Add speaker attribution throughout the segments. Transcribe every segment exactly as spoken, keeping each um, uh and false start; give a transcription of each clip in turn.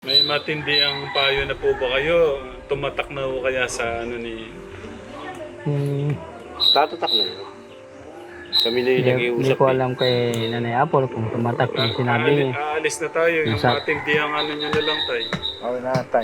Speaker 1: May matindi ang payo na po ba kayo? Tumatak na po kaya sa ano ni...
Speaker 2: Hmm,
Speaker 3: Tatatak na yun. Kami na yung
Speaker 2: hindi,
Speaker 3: nag-iusap.
Speaker 2: hindi ko
Speaker 3: eh.
Speaker 2: alam kay Nanay Apple kung tumatak yung sinabi
Speaker 1: Aali-
Speaker 2: niya.
Speaker 1: aalis na tayo. Yung
Speaker 2: Nasa-
Speaker 1: matindi ang ano nyo na lang tayo.
Speaker 4: Okay na, tay.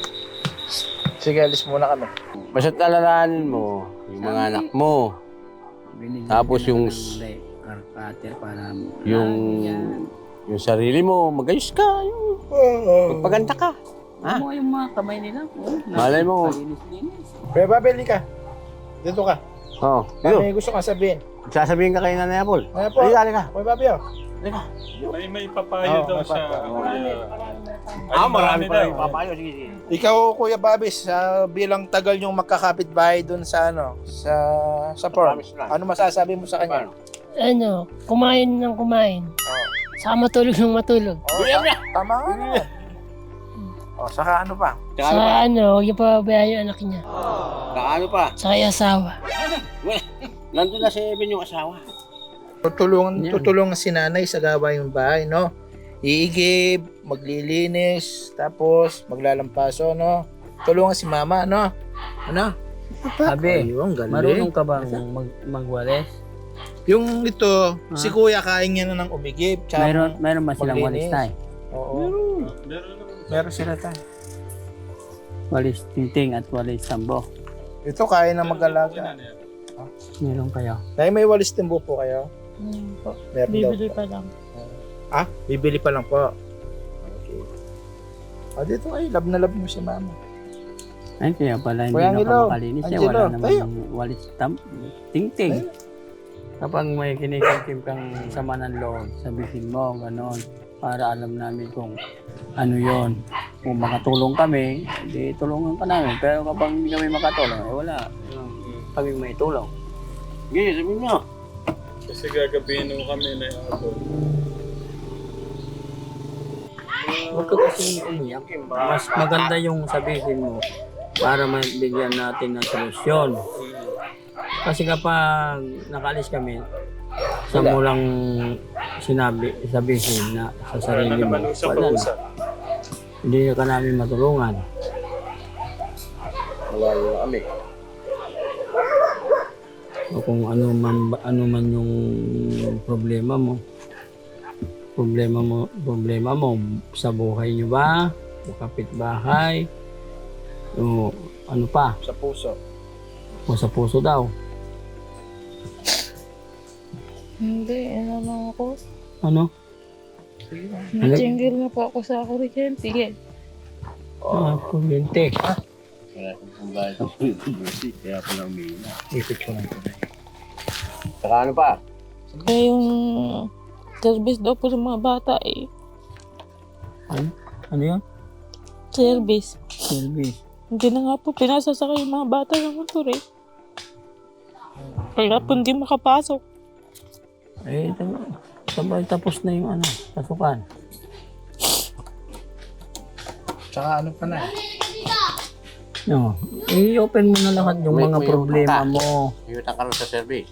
Speaker 4: Sige, alis muna kami.
Speaker 3: Basta't alalahanin mo, yung mga anak mo, Tapos yung-
Speaker 2: Karpater para
Speaker 3: yung yung sarili mo, magayos ka, yung magpaganda ka. Ha?
Speaker 2: Ano yung mga kamay nila? Oh,
Speaker 3: Malay mo.
Speaker 2: Linis-linis.
Speaker 4: Kuya Babel, ka. Dito ka.
Speaker 3: Oo. Oh,
Speaker 4: May gusto kang sabihin.
Speaker 3: sasabihin ka kay Nanay Apple.
Speaker 4: Ano po?
Speaker 3: Halika, halika.
Speaker 4: Kuya Babel.
Speaker 3: Halika.
Speaker 1: May may papayo
Speaker 4: Oo,
Speaker 1: daw
Speaker 4: may
Speaker 1: siya.
Speaker 4: papayo.
Speaker 1: Ay,
Speaker 3: Ah, marami pa
Speaker 1: daw.
Speaker 3: rin papayo. Sige, sige.
Speaker 4: Ikaw, Kuya Babis, sa bilang tagal yung magkakapit-bahay dun sa ano, sa sa farm.
Speaker 3: Promise lang.
Speaker 4: Ano masasabi mo sa kanya?
Speaker 5: Ano, kumain ng kumain.
Speaker 4: Oh.
Speaker 5: Saka matulog ng matulog.
Speaker 4: Oh, ta- tama nga naman. Oh, saka ano pa?
Speaker 3: Tsaka ano
Speaker 5: Sa
Speaker 3: pa?
Speaker 5: ano, huwag niya pababayaan yung anak niya.
Speaker 3: Tsaka ano pa?
Speaker 5: Saka yung asawa.
Speaker 3: Nandun na si Evan yung asawa.
Speaker 4: Tutulungan,
Speaker 2: Yan.
Speaker 4: tutulungan si nanay sa gawain ng bahay, no? Iigib, maglilinis, tapos maglalampaso, no? Tulungan si mama, no? Ano?
Speaker 2: Sabi,
Speaker 4: Ayun, galing.
Speaker 2: marunong ka bang mag magwalis?
Speaker 4: Yung ito, si kuya kain niya na ng umigib. Tsaka,
Speaker 2: Mayroon, mayroon ba silang walis
Speaker 4: maglinis.
Speaker 2: tayo?
Speaker 4: Oo.
Speaker 1: Meron naman.
Speaker 4: Meron sila tayo.
Speaker 2: Walis tingting at walis sambo.
Speaker 4: Ito, kaya na mag-alaga.
Speaker 2: Meron kayo?
Speaker 4: Nay, may walis timbo po kayo?
Speaker 5: Hmm, po.
Speaker 4: Meron
Speaker 5: Bibili
Speaker 4: daw po.
Speaker 5: pa lang.
Speaker 4: Ah, bibili pa lang po. Okay. Ah, dito ay, love na love mo si mama.
Speaker 2: Ay, kaya pala hindi
Speaker 4: Kuya
Speaker 2: na
Speaker 4: Angelo,
Speaker 2: ka makalinis. Eh,
Speaker 4: Angelo,
Speaker 2: wala naman
Speaker 4: tayo.
Speaker 2: yung walis tam tingting.
Speaker 4: Tayo.
Speaker 2: Kapag may kinikim kang sama ng loob, sabihin mo, gano'n. Para alam namin kung ano yon. Kung makatulong kami, di tulungan ka namin. Pero kapag hindi kami makatulong, eh wala. Kami may tulong.
Speaker 3: Sige, sabihin mo.
Speaker 1: Kasi gagabihin mo kami na ako.
Speaker 2: Huwag ka kasi umiyak. Mas maganda yung sabihin mo para mabigyan natin ng solusyon. Kasi kapag nakalis kami, sa mo lang sinabi, sabihin na sa
Speaker 1: Para na
Speaker 2: sarili mo,
Speaker 1: naman
Speaker 2: wala na.
Speaker 1: usap-usap.
Speaker 2: Hindi ka namin matulungan.
Speaker 3: Malayo na kami.
Speaker 2: O kung ano man, ano man yung problema mo. Problema mo, problema mo sa buhay nyo ba? O kapitbahay? O ano pa?
Speaker 4: Sa puso.
Speaker 2: O sa puso daw?
Speaker 5: Hindi, ano lang ako.
Speaker 2: Ano?
Speaker 5: Natinggil na po ako sa kuryente.
Speaker 2: Ah, kuryente.
Speaker 3: Kaya kung pambayad ng kuryente, kaya pala umiina.
Speaker 4: Ipit ko lang.
Speaker 3: Tsaka ano pa?
Speaker 5: Eh, yung service daw po sa mga bata eh.
Speaker 2: Ano? Ano yun?
Speaker 5: Service.
Speaker 2: Service.
Speaker 5: Hindi na nga po pinasasakay yung mga bata ng motor eh. Kaya po hindi makapasok.
Speaker 2: Eh, tama. Sabay tapos na yung ano, pasukan.
Speaker 4: Tsaka ano pa na?
Speaker 2: No. I-open mo na lahat yung
Speaker 3: May-
Speaker 2: mga
Speaker 3: may
Speaker 2: problema
Speaker 3: utang.
Speaker 2: mo.
Speaker 3: Iyutan ka rin sa service.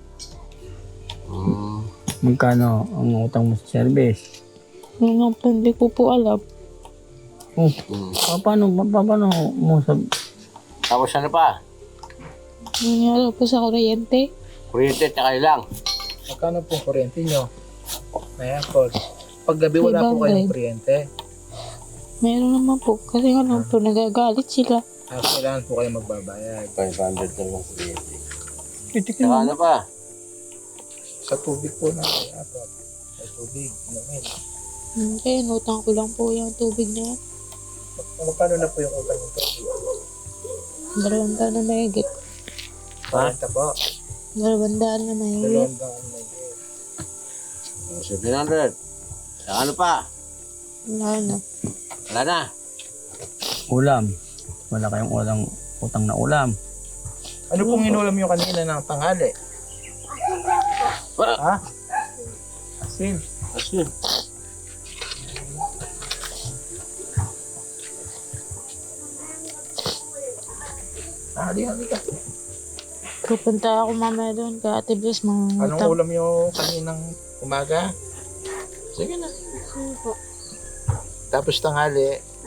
Speaker 3: Hmm.
Speaker 2: Magkano ang utang mo sa service?
Speaker 5: Yung nga po, hindi ko po alam.
Speaker 2: Oh,
Speaker 3: Hmm.
Speaker 2: pa- paano, pa- pa- paano mo sa...
Speaker 3: Tapos ano pa?
Speaker 5: Yung nga po sa kuryente.
Speaker 3: Kuryente tsaka ilang.
Speaker 4: Magkano po kuryente nyo? Kaya po. Pag gabi wala po kayong kuryente.
Speaker 5: Meron naman po. Kasi nga lang po, nagagalit sila.
Speaker 4: Ah, kailangan po kayo magbabayad.
Speaker 3: five hundred na lang kuryente.
Speaker 2: Titikin
Speaker 3: Tsaka
Speaker 2: mo.
Speaker 3: ano pa?
Speaker 4: Sa tubig po na kaya po. Sa tubig. Inumin.
Speaker 5: Hindi, inutang ko lang po yung tubig na yan.
Speaker 4: Mag- Magkano na po yung utang ng tubig?
Speaker 5: Dalawang daan na mahigit.
Speaker 4: Kuryente po.
Speaker 5: Dalawang daan na mahigit.
Speaker 4: Dalawang daan na yun.
Speaker 3: seven hundred. Tsaka ano pa?
Speaker 5: Wala na.
Speaker 3: Wala na.
Speaker 2: Ulam. Wala kayong ulang, utang na ulam.
Speaker 4: Ano pong inulam nyo kanina ng tanghali?
Speaker 3: Wala.
Speaker 4: Ha? Asin.
Speaker 3: Asin.
Speaker 4: Ah, di, di ka.
Speaker 5: Pupunta ako mamaya doon kay Ate Bless. Mga
Speaker 4: Anong ulam nyo kaninang umaga? Sige na. Tapos tanghali,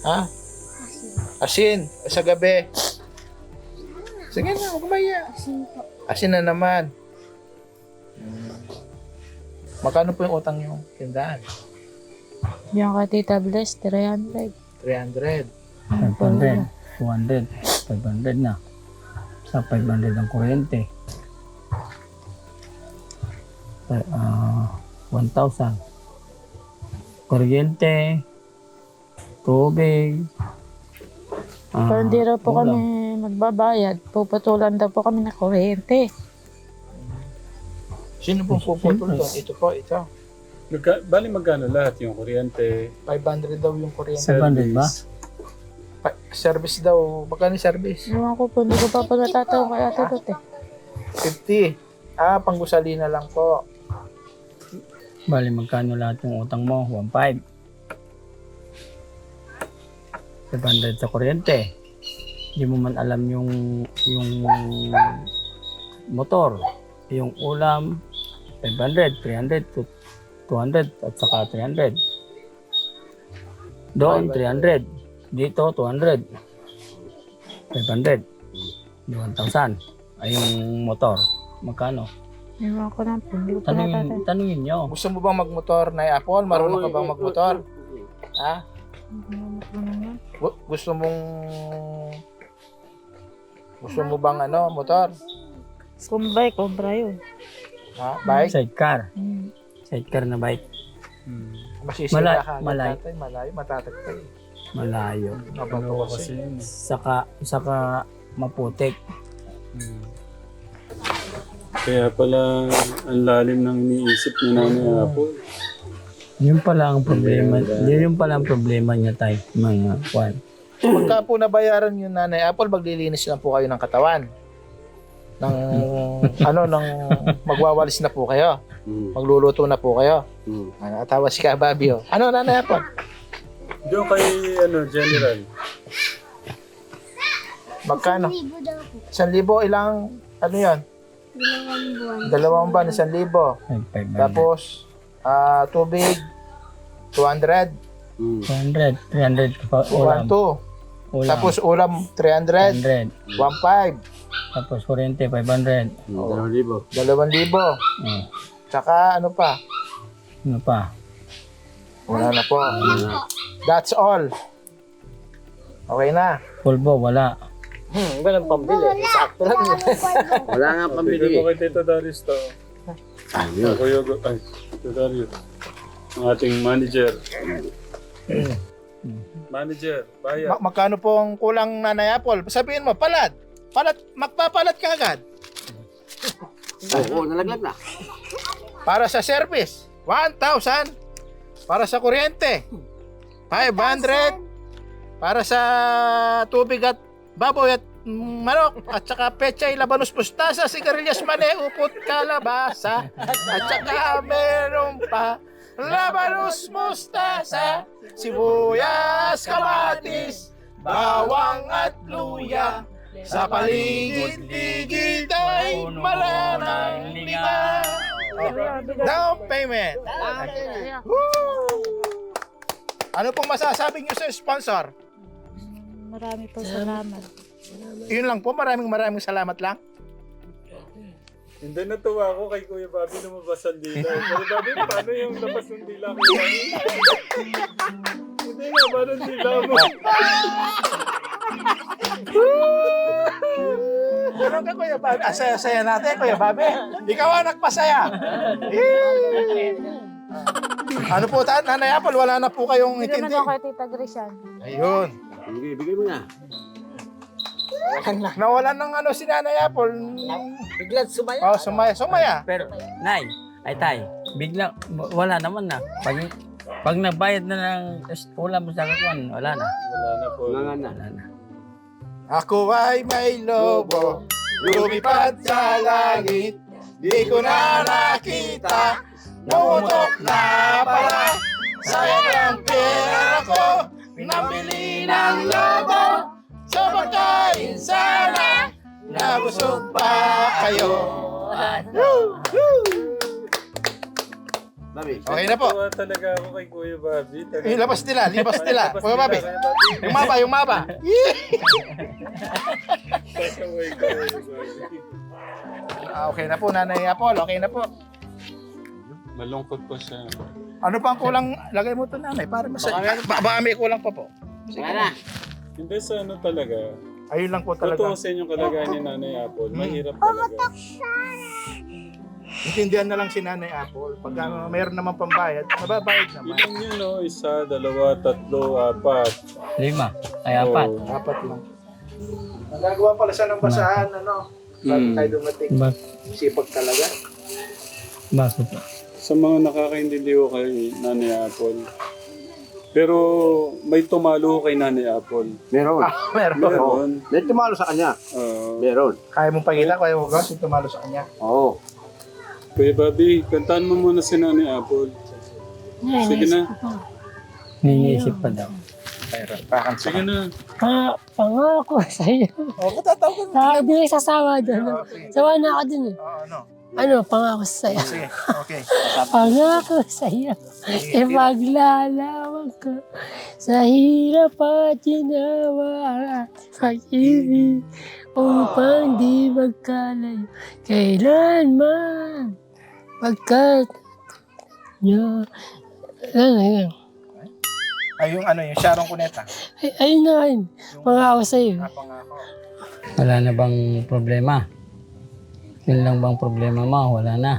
Speaker 4: Ha? Asin. Sa gabi. Sige na, huwag maya. Asin na naman. Hmm. Magkano po yung utang yung tindahan?
Speaker 5: Yung kay Tita Bless, three hundred.
Speaker 4: three hundred.
Speaker 2: five hundred, two hundred, five hundred na. Sa five hundred ang kuryente. Uh, one thousand. Kuryente, tubig. ah,
Speaker 5: Pero hindi raw po
Speaker 2: ulam.
Speaker 5: kami magbabayad. Puputulan daw po kami na kuryente.
Speaker 4: Sino pong puputol doon? Ito po, ito.
Speaker 1: Magka, bali magkano lahat yung kuryente?
Speaker 4: five hundred daw yung kuryente.
Speaker 2: five hundred ba?
Speaker 4: Pa- service daw. Magkano yung service?
Speaker 5: Ewan ko po, hindi ko pa po natatawa kay Ate Dot eh.
Speaker 4: fifty. Ah, panggusalina lang po.
Speaker 2: Bali, magkano lahat yung utang mo? one point five. five hundred sa kuryente. Hindi mo man alam yung yung motor, yung ulam, five hundred, three hundred, two hundred, at saka three hundred. Doon, three hundred. Dito, two hundred. five hundred. one thousand. Ay, yung motor. Magkano?
Speaker 5: Ewan ko na po, hindi ko pa
Speaker 2: Tanungin,
Speaker 5: natatawa.
Speaker 2: tanungin nyo.
Speaker 4: Gusto mo bang magmotor na Apple? Marunong ka bang magmotor? Ha? Gu- Gusto mong... Gusto mo bang ano, motor?
Speaker 5: Kumbay, kumbra yun.
Speaker 4: Ha? Bike?
Speaker 2: Sidecar.
Speaker 5: Hmm.
Speaker 2: Sidecar na bike.
Speaker 1: Hmm.
Speaker 4: Masisira
Speaker 2: Malay-
Speaker 4: ka.
Speaker 2: malay.
Speaker 4: Tatay, malayo, matatagtay.
Speaker 2: Malayo.
Speaker 4: Mabato
Speaker 1: Ano kasi
Speaker 4: kasi.
Speaker 1: yun?
Speaker 2: Saka, saka maputik.
Speaker 1: Hmm. Kaya pala ang lalim ng iniisip ni Nanay Apo.
Speaker 2: Yun pala ang problema. Yun pala ang problema niya tayo. Mga kwan.
Speaker 4: Pagka po nabayaran yung Nanay Apple, maglilinis lang po kayo ng katawan. Ng, ano, ng magwawalis na po kayo.
Speaker 3: Hmm.
Speaker 4: Magluluto na po kayo.
Speaker 3: Hmm.
Speaker 4: Ano, atawa si Kababi, oh. Ano, Nanay Apple?
Speaker 1: Doon kay ano, General.
Speaker 4: Magkano? Isang libo, ilang, ano yan?
Speaker 6: Dalawang buwan.
Speaker 4: Dalawang ban, isang libo.
Speaker 2: five hundred.
Speaker 4: Tapos, ah, tubig, two hundred.
Speaker 3: Hmm.
Speaker 2: two hundred. three hundred pa ulam.
Speaker 4: one two.
Speaker 2: Ulam.
Speaker 4: Tapos ulam, three hundred.
Speaker 2: one hundred.
Speaker 4: one five.
Speaker 2: Tapos kuryente, five hundred.
Speaker 3: Hmm. Dalawang libo.
Speaker 4: Dalawang libo.
Speaker 2: Oh.
Speaker 4: Tsaka, ano pa?
Speaker 2: Ano pa?
Speaker 4: Wala na po. That's all. Okay na.
Speaker 2: Pulbo, wala.
Speaker 4: Hmm, walang pambili. Sakto lang.
Speaker 3: Wala nga
Speaker 1: Bigay
Speaker 3: pambili.
Speaker 1: mo kay Tito Darius to.
Speaker 3: Ayun.
Speaker 1: Kuya, Gu- ay, Tito Darius. Ang ating manager. Manager, bayad.
Speaker 4: Ma- magkano po ang kulang, Nanay Apple? Sabihin mo, palad. Palad, magpapalat ka agad.
Speaker 3: Oo, nalaglag na.
Speaker 4: Para sa service, one thousand. Para sa kuryente, five hundred. Para sa tubig at baboy at mm, manok. At saka pechay, labanos, mustasa, sigarilyas, mani, upot, kalabasa. At saka meron pa labanos, mustasa, sibuyas, kamatis, bawang at luya. Sa paligid-ligid ay maranang linga. Down payment. Woo! Ano pong masasabi niyo sa sponsor?
Speaker 5: Marami po salamat.
Speaker 4: Yun lang po, maraming maraming salamat lang.
Speaker 1: Hindi, natuwa ako kay Kuya Bobby lumabas ang dila. Kuya Bobby, paano yung labas ng dila ko? Hindi nga, paano ang dila mo?
Speaker 4: Ano ka, Kuya Babe? Ah, saya-saya natin, Kuya Babe. Ikaw ang nagpasaya. Yee! Ano po, ta- Nanay Apple, wala na po kayong
Speaker 5: Hindi naman
Speaker 4: itindi.
Speaker 5: ako kay Tita Grace yan.
Speaker 4: Ayun.
Speaker 3: Bigay, bigay mo na.
Speaker 4: Nawalan ng ano si Nanay Apple.
Speaker 2: Biglang sumaya.
Speaker 4: Oh, sumaya. Sumaya.
Speaker 2: Pero, Nay, ay tay, biglang, wala naman na. Pag, pag nagbayad na ng ulam sa kakuan, wala na.
Speaker 1: Wala na po.
Speaker 3: Wala na.
Speaker 2: Wala na.
Speaker 4: Ako ay may lobo, lumipad sa langit. Di ko na nakita, pumutok na pala. Sayang ang pera ko, nabili ng lobo. Sa pagkain sana, nabusog pa kayo. Woo! Woo! Sabi, okay na po.
Speaker 1: Natuwa talaga ako kay Kuya Bobby. Talaga.
Speaker 4: Eh, labas nila, libas nila.
Speaker 1: Labas
Speaker 4: Kuya Bobby.
Speaker 1: Kuya Bobby.
Speaker 4: Yung mapa, yung mapa.
Speaker 1: Pasaway ka, Kuya Bobby.
Speaker 4: Ah, okay na po, Nanay Apol. Okay na po.
Speaker 1: Malungkot po siya.
Speaker 4: Ano pa ang kulang? Lagay mo to, Nanay, para masaya. Ba baka may kulang pa po.
Speaker 3: Wala.
Speaker 1: Hindi sa ano talaga.
Speaker 4: Ayun lang po talaga.
Speaker 1: Totoo sa inyong kalagayan ni Nanay Apple. Mahirap talaga.
Speaker 4: Intindihan na lang si Nanay Apple. Pag uh, mayroon naman pambayad, mababayad naman.
Speaker 1: Ilan yun, no? Isa, dalawa, tatlo, apat.
Speaker 2: Lima. Ay, apat.
Speaker 1: Oo.
Speaker 4: Apat lang. Nagagawa pala siya ng basahan, ano? Bago
Speaker 1: Hmm.
Speaker 4: tayo dumating.
Speaker 2: Bak
Speaker 4: Sipag talaga.
Speaker 2: bakit?
Speaker 1: Sa mga nakakaintindi ko kay Nanay Apple. Pero may tumalo kay Nanay Apple.
Speaker 3: Meron.
Speaker 4: Ah, meron.
Speaker 1: Meron.
Speaker 3: May tumalo sa kanya.
Speaker 1: Oo.
Speaker 3: Meron.
Speaker 4: Kaya mong pakita, kaya mo gas, yung tumalo sa kanya.
Speaker 3: Oo.
Speaker 1: Kuya Bobby, kantaan mo muna si Nanay Apple. Sige na.
Speaker 2: Niniisip pa daw.
Speaker 4: Mayroon. Pakan sa
Speaker 1: Sige na.
Speaker 6: Pa, pangako sa'yo.
Speaker 4: Oh, katatawag ka.
Speaker 6: Sa hindi sasawa doon. Sawa na ako dun eh.
Speaker 4: Oo, ano?
Speaker 6: Ano, pangako sa'yo.
Speaker 4: Sige, okay.
Speaker 6: Pangako sa'yo. Ipaglalawan ko sa hirap at ginawa pag-ibig upang di magkalayo kailanman pagkat nyo. Ano yun?
Speaker 4: Ay, yung ano, yung Sharon Cuneta.
Speaker 6: Ay, ayun na yun. Pangako sa'yo.
Speaker 4: Napangako.
Speaker 2: Wala na bang problema? Yun lang bang problema mo? Wala na.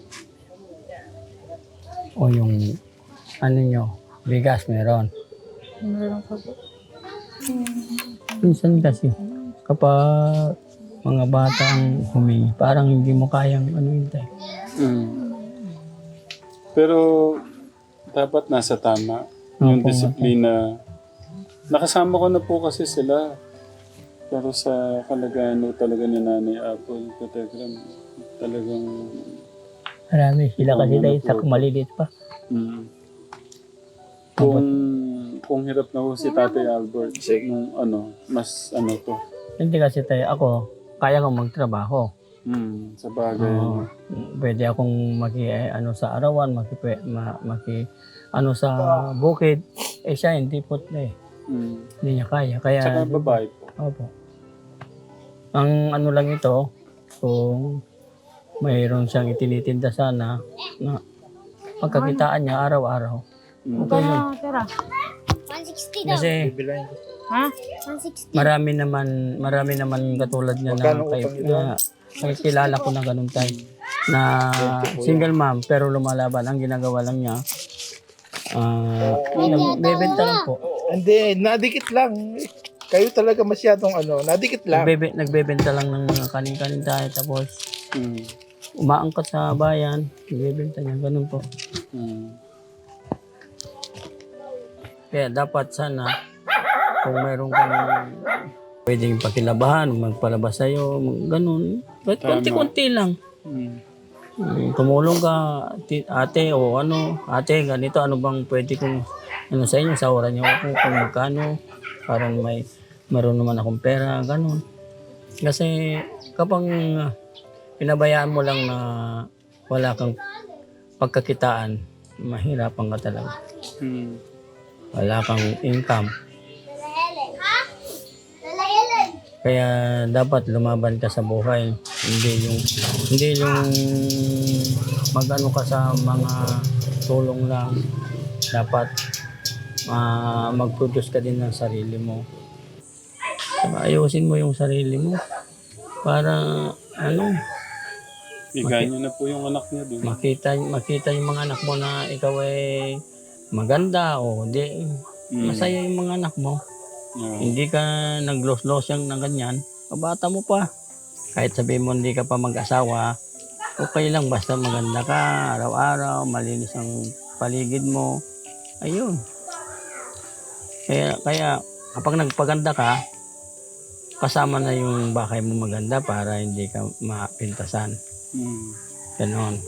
Speaker 2: O yung ano nyo, bigas meron.
Speaker 6: Meron pa po.
Speaker 2: Minsan kasi, kapag mga bata ang humingi, parang hindi mo kayang ano yun tayo.
Speaker 1: Mm. Pero dapat nasa tama. Yung
Speaker 2: Opo,
Speaker 1: disiplina. Nakasama ko na po kasi sila. Pero sa kalagayan ho talaga ni Nanay Apple, Kategram, talagang...
Speaker 2: Marami sila kasi
Speaker 1: Oo,
Speaker 2: tayo
Speaker 1: ano
Speaker 2: sa
Speaker 1: po.
Speaker 2: maliliit pa.
Speaker 1: Mm. Kung, kung hirap na ho si Tatay Albert, nung ano, mas ano to.
Speaker 2: Hindi kasi tayo, ako, kaya kong magtrabaho.
Speaker 1: Mm, sa bagay.
Speaker 2: Oo. Pwede akong maki, eh, ano sa arawan, maki, ma, maki, ano sa bukid. Eh siya, hindi po eh.
Speaker 1: Mm.
Speaker 2: Hindi niya kaya. Kaya,
Speaker 1: Tsaka babae po.
Speaker 2: opo. Ang ano lang ito, kung mayroon siyang itinitinda sana, na pagkakitaan niya araw-araw.
Speaker 1: Mm.
Speaker 2: Okay yun.
Speaker 6: one sixty daw.
Speaker 2: Kasi
Speaker 6: Ha? one sixty.
Speaker 2: marami naman, marami naman katulad niya na,
Speaker 4: Magkano
Speaker 2: kay,
Speaker 4: utang niyo
Speaker 2: na may kilala ko na ganun tayo. Na single mom pero lumalaban. Ang ginagawa lang niya, ah bebenta lang po.
Speaker 4: Hindi, nadikit lang. Kayo talaga masyadong ano, nadikit lang.
Speaker 2: Nagbebe, nagbebenta lang ng mga kanin-kanin tayo. Tapos
Speaker 1: Mm.
Speaker 2: umaangkat sa bayan, nagbebenta niya. Ganun po.
Speaker 1: Mm.
Speaker 2: Kaya dapat sana, kung mayroon kang pwedeng pakilabahan, magpalabas sa'yo, mag- ganun. But
Speaker 1: Tama.
Speaker 2: konti-konti lang.
Speaker 1: Mm.
Speaker 2: Mm, tumulong ka, ti- ate, o ano, ate, ganito, ano bang pwede kong, ano sa inyo, sawaran niyo ako kung magkano, parang may, meron naman akong pera, ganun. Kasi, kapag uh, pinabayaan mo lang na wala kang pagkakitaan, mahirapan ka talaga.
Speaker 1: Mm.
Speaker 2: Wala kang income. Kaya dapat lumaban ka sa buhay. Hindi yung hindi yung magano ka sa mga tulong lang. Dapat ah, mag-produce ka din ng sarili mo. Saka ayusin mo yung sarili mo para ano,
Speaker 1: Bigay niyo na po yung anak niya doon.
Speaker 2: makita makita yung mga anak mo na ikaw ay maganda o di
Speaker 1: Mm.
Speaker 2: masaya yung mga anak mo.
Speaker 1: Yeah.
Speaker 2: Hindi ka nag-los-los yung ng ganyan, kabata mo pa. Kahit sabihin mo hindi ka pa mag-asawa, okay lang basta maganda ka, araw-araw, malinis ang paligid mo. Ayun. Kaya, kaya kapag nagpaganda ka, kasama na yung bahay mo maganda para hindi ka mapintasan.
Speaker 1: Mm.
Speaker 2: Ganon.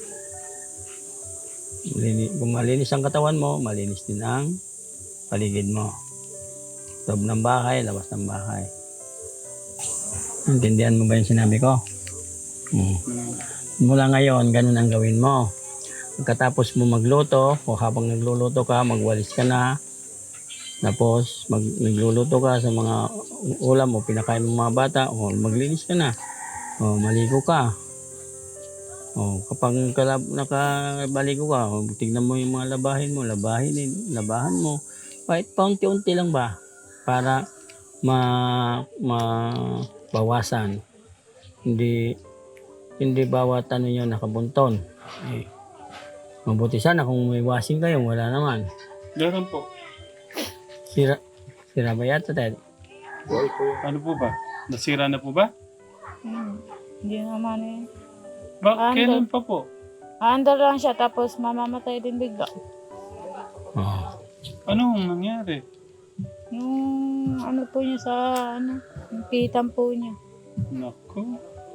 Speaker 2: Malini- Kung malinis ang katawan mo, malinis din ang paligid mo. Loob ng bahay, labas ng bahay. Intindihan mo ba yung sinabi ko? Hmm.
Speaker 1: Mm.
Speaker 2: Mula ngayon, ganun ang gawin mo. Pagkatapos mo magluto, o habang nagluluto ka, magwalis ka na. Tapos, mag, nagluluto ka sa mga ulam o pinakain mo mga bata, o maglinis ka na. O maligo ka. O kapag kalab, nakabaligo ka, o, tignan mo yung mga labahin mo, labahin, labahan mo. Kahit paunti-unti lang ba? Para ma, ma bawasan. Hindi, hindi bawat ano yun nakabunton. Eh, mabuti sana kung may washing kayo, wala naman.
Speaker 1: Meron po.
Speaker 2: Sira, sira ba yata, Ted?
Speaker 1: Ano po ba? Nasira na po ba?
Speaker 5: Hmm. Hindi naman eh.
Speaker 1: Ba,
Speaker 5: Ano?
Speaker 1: kailan pa po?
Speaker 5: Aandar lang siya tapos mamamatay din bigla.
Speaker 2: Oh.
Speaker 1: Anong nangyari?
Speaker 5: Yung ano po niya sa ano, yung pitan po niya.
Speaker 1: Naku.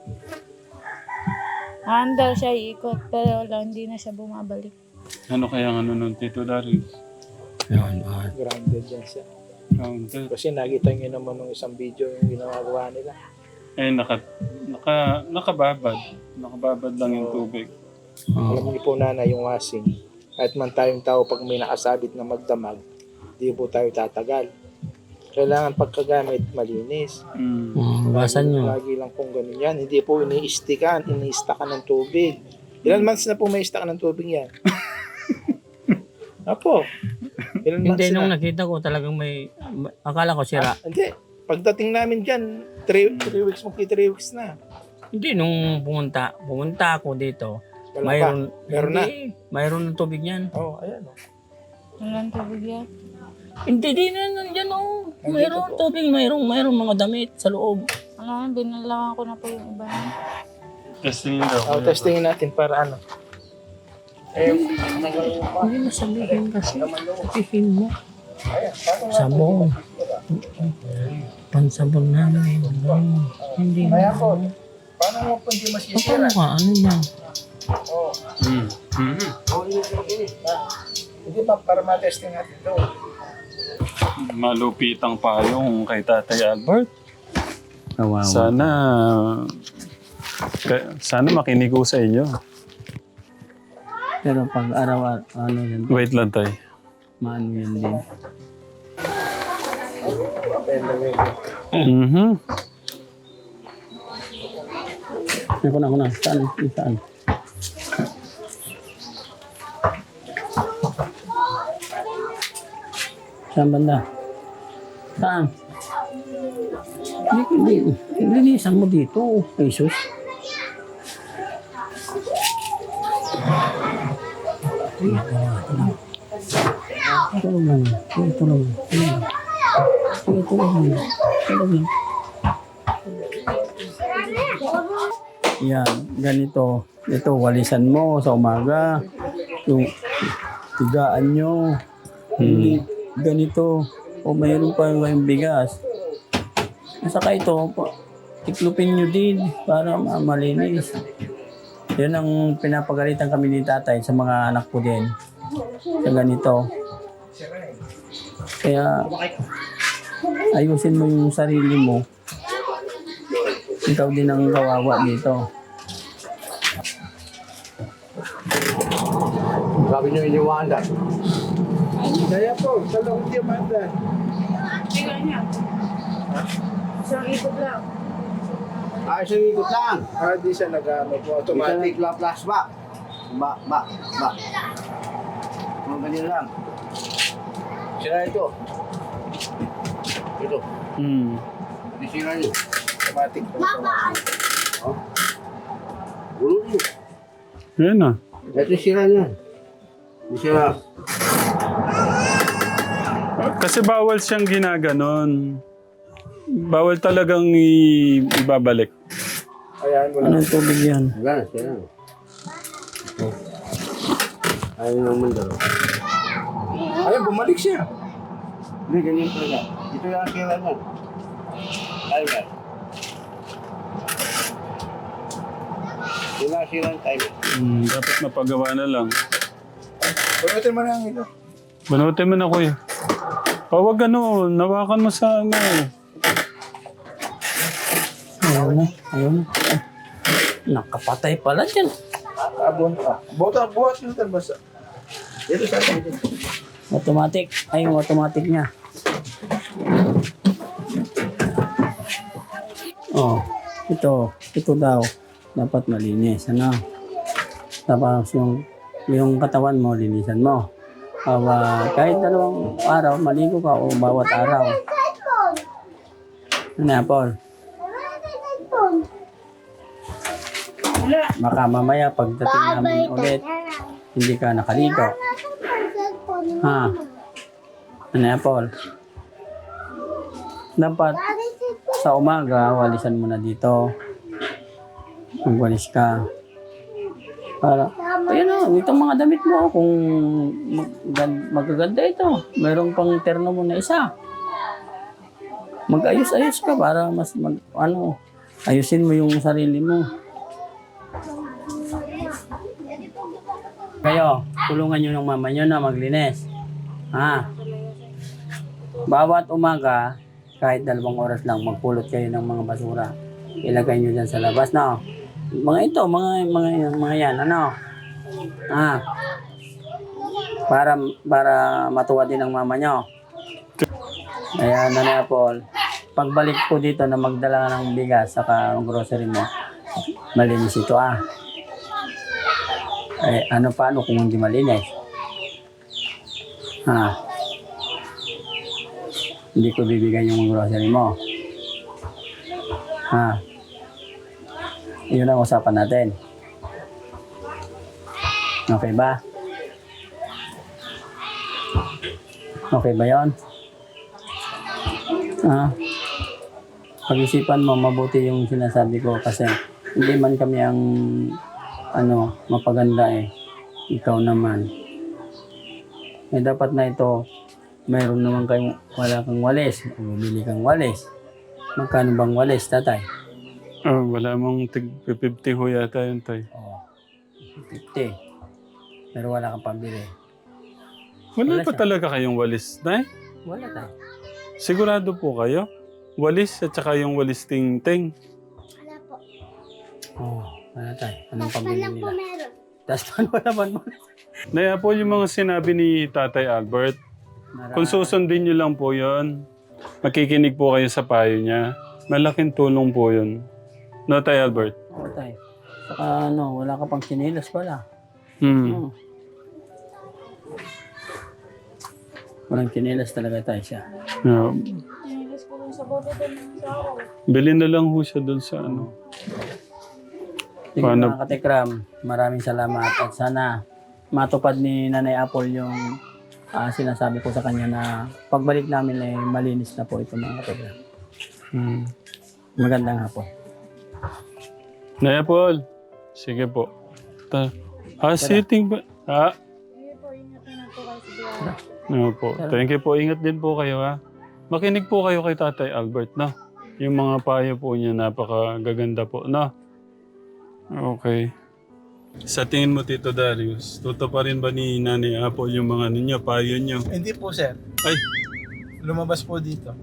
Speaker 5: Aandar siya iikot pero wala, hindi na siya bumabalik.
Speaker 1: Ano kaya ang ano nun, Tito Darius?
Speaker 2: Yun, ah.
Speaker 4: Grounded yan siya.
Speaker 1: Counted.
Speaker 4: Kasi nakita nyo naman nung isang video yung ginagawa nila.
Speaker 1: Eh, naka, naka, nakababad. Nakababad lang yung tubig.
Speaker 2: Oh.
Speaker 4: Alam niyo po na yung washing. Kahit man tayong tao pag may nakasabit na magdamag, di po tayo tatagal. Kailangan pagkagamit malinis.
Speaker 1: Mm.
Speaker 2: Oh, basan nyo.
Speaker 4: Lagi lang pong ganun yan. Hindi po ini-istikan, ini-istakan ng tubig. Ilan months na po may istakan ng tubig yan? Apo. Ilan months
Speaker 2: Hindi, nung
Speaker 4: na?
Speaker 2: nakita ko talagang may, akala ko sira.
Speaker 4: Ah, hindi. Pagdating namin dyan, three, three weeks, magki three weeks na.
Speaker 2: Hindi, nung pumunta, pumunta ako dito,
Speaker 4: Wala
Speaker 2: mayroon,
Speaker 4: pa. Meron na.
Speaker 2: hindi, mayroon ng tubig yan.
Speaker 4: Oh, ayan. Oh.
Speaker 5: Walang tubig yan.
Speaker 2: Hindi, di na nandiyan oh.
Speaker 4: Nandito
Speaker 2: Mayroon
Speaker 4: po.
Speaker 2: tubig, mayroon, mayroon mga damit sa loob.
Speaker 5: Ano, binalangan ko na po yung iba niya.
Speaker 1: Testing daw.
Speaker 4: Oh, testingin natin para ano. Eh,
Speaker 2: Hindi mo sabihin kasi, sabihin mo. Sabon. Pansabon namin. Hindi mo.
Speaker 4: kaya po, paano mo po hindi masisira?
Speaker 2: Paano ka? Ano yan?
Speaker 4: Oh,
Speaker 1: Mm. Mm.
Speaker 4: oh, inis, inis. Ah, hindi ba para matesting natin ito?
Speaker 1: Malupitang payong kay Tatay Albert.
Speaker 2: Kawawa.
Speaker 1: Sana, ka- sana makinig ko sa inyo.
Speaker 2: Pero pag araw, ano yan,
Speaker 1: Wait lang, Tay.
Speaker 2: maano yan din.
Speaker 1: Mhm.
Speaker 2: Ako na, ako na. Saan? Saan? Saan banda? Saan? Hindi, hindi. Linisan mo dito. Jesus. Ito lang. Ito lang. Ito lang. Ito lang. Ito lang. Yan, ganito. Ito, walisan mo sa umaga. Yung tigaan nyo. Hindi ganito. O mayroon pa yung bigas. Saka ito, pa- tiklupin nyo din para ma- malinis. Yan ang pinapagalitan kami ni tatay sa mga anak ko din. Sa ganito. Kaya ayusin mo yung sarili mo. Ikaw din ang kawawa dito.
Speaker 3: Sabi niyo iniwanda.
Speaker 4: Kaya po, sa loob di Amanda.
Speaker 5: Isang ikot lang.
Speaker 3: Ah, isang ikot lang.
Speaker 4: Ah, di siya nag-ano po,
Speaker 3: Automatic
Speaker 4: automatic.
Speaker 3: la plus ba? Ba, ba, ba. Mga ganyan lang. Sira ito. Ito.
Speaker 1: Mm.
Speaker 3: Hindi sira niyo.
Speaker 4: Automatic po. automatic.
Speaker 3: Ulo niyo.
Speaker 1: Yan na.
Speaker 3: Ito yung sira niya. Hindi sira.
Speaker 1: Kasi bawal siyang ginaganon. Bawal talagang i- ibabalik.
Speaker 4: Ayan, wala.
Speaker 2: Anong tubig yan?
Speaker 3: Wala na, sira. Oh. Ayaw naman daw.
Speaker 4: Ayan, bumalik siya.
Speaker 3: Hindi, ganyan talaga. Ito yung sira niya. Timer. Sila sira ang timer.
Speaker 1: Mm, dapat napagawa na lang.
Speaker 4: Punutin mo na ang ilo.
Speaker 1: Banutin mo na, kuya. O, wag ano, nawakan mo sa ano.
Speaker 2: Ayaw na. Ayaw na. Ay, nakapatay pala dyan.
Speaker 4: Abon ka. Buhat, buhat mo ito basta. Dito sa akin. dito.
Speaker 2: Automatic. Ay, yung automatic niya. Oh, ito. Ito daw. Dapat malinis. Ano? Tapos yung, yung katawan mo, linisan mo. Uh, kahit dalawang araw, maligo ka o bawat araw. Ano yan, Paul? Baka mamaya pagdating namin ulit, hindi ka nakaligo. Ha? Ano yan, Paul? Dapat sa umaga, walisan mo na dito. Magwalis ka. Para, ayun o, itong mga damit mo, kung mag, gan- magaganda ito, mayroong pang terno mo na isa. Mag-ayos-ayos ka para mas mag, ano, ayusin mo yung sarili mo. Kayo, tulungan nyo ng mama nyo na maglinis. Ha? Bawat umaga, kahit dalawang oras lang, magpulot kayo ng mga basura. Ilagay nyo dyan sa labas, no? Mga ito, mga, mga, mga yan, ano? Ah. Para, para matuwa din ng mama nyo. Kaya, Nanay Apple, pagbalik ko dito na magdala ng bigas saka ang grocery mo, malinis ito, ah. Eh, ano paano kung hindi malinis? Ha? Hindi ko bibigyan yung grocery mo. Ha? Yun ang usapan natin. Okay ba? Okay ba yun? Ha? Pag-isipan mo, mabuti yung sinasabi ko kasi hindi man kami ang ano, mapaganda eh. Ikaw naman. Eh, dapat na ito, mayroon naman kayong, wala kang walis. Bumili kang walis. Magkano bang walis, tatay?
Speaker 1: Oh, wala mong tig fifty ho yata yun, tay.
Speaker 2: Oo. fifty. Pero wala kang pambili.
Speaker 1: Wala
Speaker 2: Wala
Speaker 1: pa
Speaker 2: siya.
Speaker 1: talaga kayong walis, tay?
Speaker 2: Wala tayo.
Speaker 1: Sigurado po kayo? Walis at saka yung walis ting-ting.
Speaker 6: Wala po.
Speaker 2: Oo. Wala tayo. Anong
Speaker 6: Taspan
Speaker 2: pambili
Speaker 6: lang po
Speaker 2: nila?
Speaker 6: meron.
Speaker 2: Tapos paano naman mo?
Speaker 1: Naya po yung mga sinabi ni Tatay Albert. Kung susundin nyo lang po yun, makikinig po kayo sa payo niya. Malaking tulong po yun. No, Tay Albert?
Speaker 2: Oo tayo. Saka ano, wala ka pang sinilas pala.
Speaker 1: Hmm.
Speaker 2: Hmm. Walang kinilas talaga tayo siya.
Speaker 1: Yeah.
Speaker 5: Inilis ko lang sa bote doon ng sawa.
Speaker 1: Bilhin na lang ho siya doon sa ano.
Speaker 2: Sige
Speaker 1: Paano-
Speaker 2: mga katekram, maraming salamat at sana matupad ni Nanay Apple yung ah, sinasabi ko sa kanya na pagbalik namin ay malinis na po ito mga katekram.
Speaker 1: Hmm.
Speaker 2: Magandang hapon.
Speaker 1: Naya Paul. Sige po. Ta ah, sitting ba? Ah,
Speaker 5: Sige po, ingatan na po kayo sa biyahe.
Speaker 1: no po. Thank you po. Ingat din po kayo ha. Makinig po kayo kay Tatay Albert, no? Yung mga payo po niya napakagaganda po, no? Okay. Sa tingin mo, Tito Darius, tuto pa rin ba ni Nanay Apple yung mga ninyo, payo nyo?
Speaker 4: Hindi po, sir.
Speaker 1: Ay!
Speaker 4: Lumabas po dito.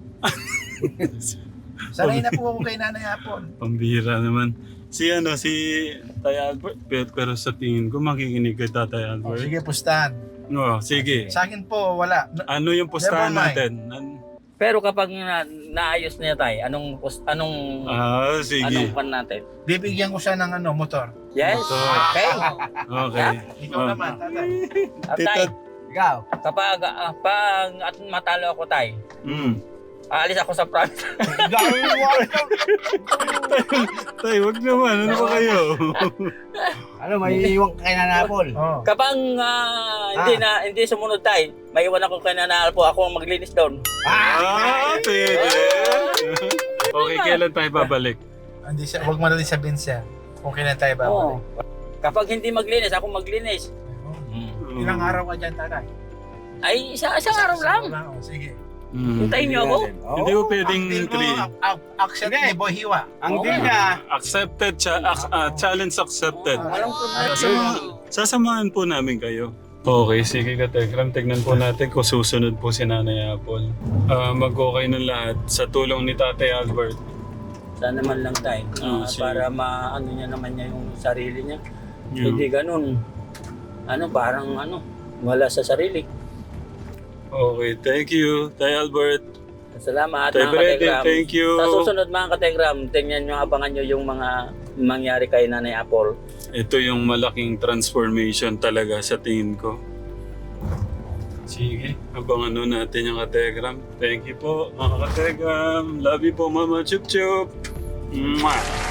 Speaker 4: Sanay na po ako kay Nanay Apon.
Speaker 1: Pambihira naman. Si ano, si Tay Albert, pero, pero sa tingin ko makikinig kay Tatay
Speaker 4: Oh,
Speaker 1: Albert.
Speaker 4: sige, pustahan.
Speaker 1: No, sige.
Speaker 4: Sa akin po, wala. Na-
Speaker 1: Ano yung pustahan
Speaker 4: Never mind.
Speaker 1: natin? An-
Speaker 2: Pero kapag na, naayos niya tayo, anong pos- anong
Speaker 1: ah, sige.
Speaker 2: anong pan natin?
Speaker 4: Bibigyan ko siya ng ano, motor.
Speaker 2: Yes.
Speaker 1: Motor.
Speaker 2: Okay.
Speaker 1: Okay.
Speaker 4: Ikaw
Speaker 1: Oh.
Speaker 4: naman, tatay.
Speaker 2: At
Speaker 1: Tito,
Speaker 2: tay,
Speaker 3: Ikaw.
Speaker 2: kapag ah, pag at matalo ako tay,
Speaker 1: mm.
Speaker 2: aalis ako sa province.
Speaker 4: Gawin mo ako.
Speaker 1: Tay, wag naman. Ano ba kayo?
Speaker 3: Ano, may iiwan ka kay Nanapol.
Speaker 4: Oh.
Speaker 2: Kapag ah, hindi na hindi sumunod tay, maiwan ako kay Nanay po ako ang maglinis doon.
Speaker 1: Ah, pwede. Okay, kailan tayo babalik?
Speaker 4: Hindi siya, wag mo na rin sabihin siya. Okay na tayo ba?
Speaker 2: Oo. Kapag hindi maglinis, ako maglinis.
Speaker 4: Ilang araw ka dyan, tatay?
Speaker 2: Ay, isa isang araw lang.
Speaker 4: Oh, sige.
Speaker 1: Mm.
Speaker 2: Hintayin niyo ako.
Speaker 1: Hindi ko pwedeng
Speaker 4: Ang deal mo,
Speaker 1: three.
Speaker 4: ac- ac- accept ni Boy Hiwa.
Speaker 3: Ang
Speaker 2: Oo
Speaker 3: deal
Speaker 2: nga.
Speaker 3: niya,
Speaker 1: Accepted, cha- ac- ah, challenge accepted.
Speaker 2: Walang problema.
Speaker 1: Sasama, sasamahan po namin kayo. Okay, sige ka, Tekram. Tignan po natin kung susunod po si Nanay Apple. Ah, mag-okay ng lahat sa tulong ni Tatay Albert.
Speaker 2: Sana man lang tayo.
Speaker 1: Oo,
Speaker 2: ah,
Speaker 1: sige.
Speaker 2: para maano niya naman niya yung sarili niya.
Speaker 1: Yeah.
Speaker 2: Hindi ganun. Ano, parang ano, wala sa sarili.
Speaker 1: Okay, thank you, Tay Albert.
Speaker 2: Salamat
Speaker 1: Tay
Speaker 2: mga
Speaker 1: Brady,
Speaker 2: kategram.
Speaker 1: thank you.
Speaker 2: Sa susunod mga kategram, tingnan nyo, abangan nyo yung mga mangyari kay Nanay Apple.
Speaker 1: Ito yung malaking transformation talaga sa tingin ko. Sige, abangan nun natin yung kategram. Thank you po, mga kategram. Love you po, Mama Chup Chup. Mwah!